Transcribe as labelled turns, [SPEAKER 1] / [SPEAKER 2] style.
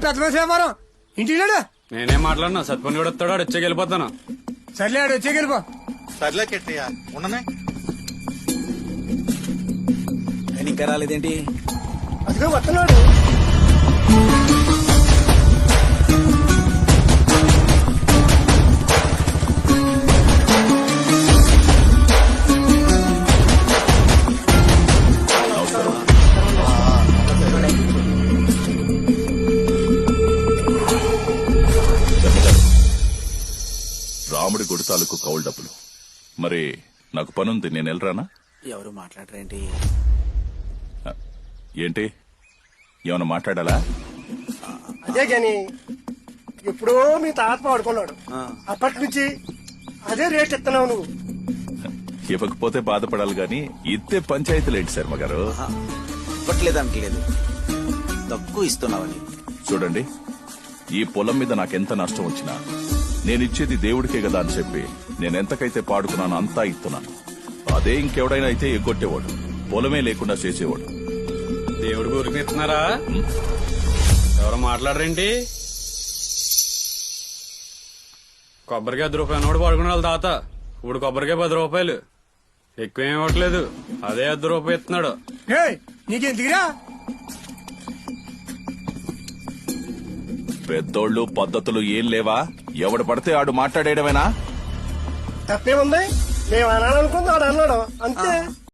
[SPEAKER 1] పెద్ద మనిషి వ్యాపారం ఇంటికి లేడు.
[SPEAKER 2] నేనేం మాట్లాడినా సత్పని కూడా వస్తాడు వచ్చేకి వెళ్ళిపోతాను.
[SPEAKER 1] సర్లే ఆడు వచ్చేకి వెళ్ళిపో.
[SPEAKER 3] సర్లే కెట్టయ్య ఉండనే.
[SPEAKER 4] ఇంకా రాలేదేంటి?
[SPEAKER 1] అదిగో వస్తున్నాడు.
[SPEAKER 5] రాముడి గుడి తాలూకు కౌలు డబ్బులు. మరి నాకు పనుంది, నేను వెళ్ళరానా?
[SPEAKER 4] ఎవరు మాట్లాడరేంటి?
[SPEAKER 5] ఏంటి, ఏమన్నా మాట్లాడాలా?
[SPEAKER 1] అదే గాని ఎప్పుడో మీ తాత వాడుకున్నాడు. అప్పటి నుంచి అదే రేట్ ఇస్తున్నావు నువ్వు.
[SPEAKER 5] ఇవ్వకపోతే బాధపడాలి గాని ఇద్దే పంచాయతీలేంటి శర్మ గారు?
[SPEAKER 4] ఇవ్వట్లేదనట్లేదు, తక్కువ ఇస్తున్నావని.
[SPEAKER 5] చూడండి, ఈ పొలం మీద నాకెంత నష్టం వచ్చినా నేనిచ్చేది దేవుడికే కదా అని చెప్పి నేనెంతకైతే పాడుకున్నానో అంతా ఇస్తున్నాను. అదే ఇంకెవడైనా అయితే ఎగ్గొట్టేవాడు, పొలమే లేకుండా చేసేవాడు.
[SPEAKER 2] దేవుడి ఊరికి ఇస్తున్నారా? ఎవరు మాట్లాడరేంటి? కొబ్బరికాయ 10 రూపాయలు నోడు పడుకునే వాళ్ళ తాత ఇప్పుడు కొబ్బరికాయ 10 రూపాయలు ఎక్కువేం ఇవ్వట్లేదు. అదే 10 రూపాయలు ఇస్తున్నాడు.
[SPEAKER 1] నీకెందుకురా?
[SPEAKER 5] పెద్దోళ్ళు పద్ధతులు ఏం లేవా? ఎవడు పడితే ఆడు మాట్లాడేయడమేనా?
[SPEAKER 1] తప్పేముంది? మేము అనాలనుకుంది ఆడు అన్నాడు అంతే.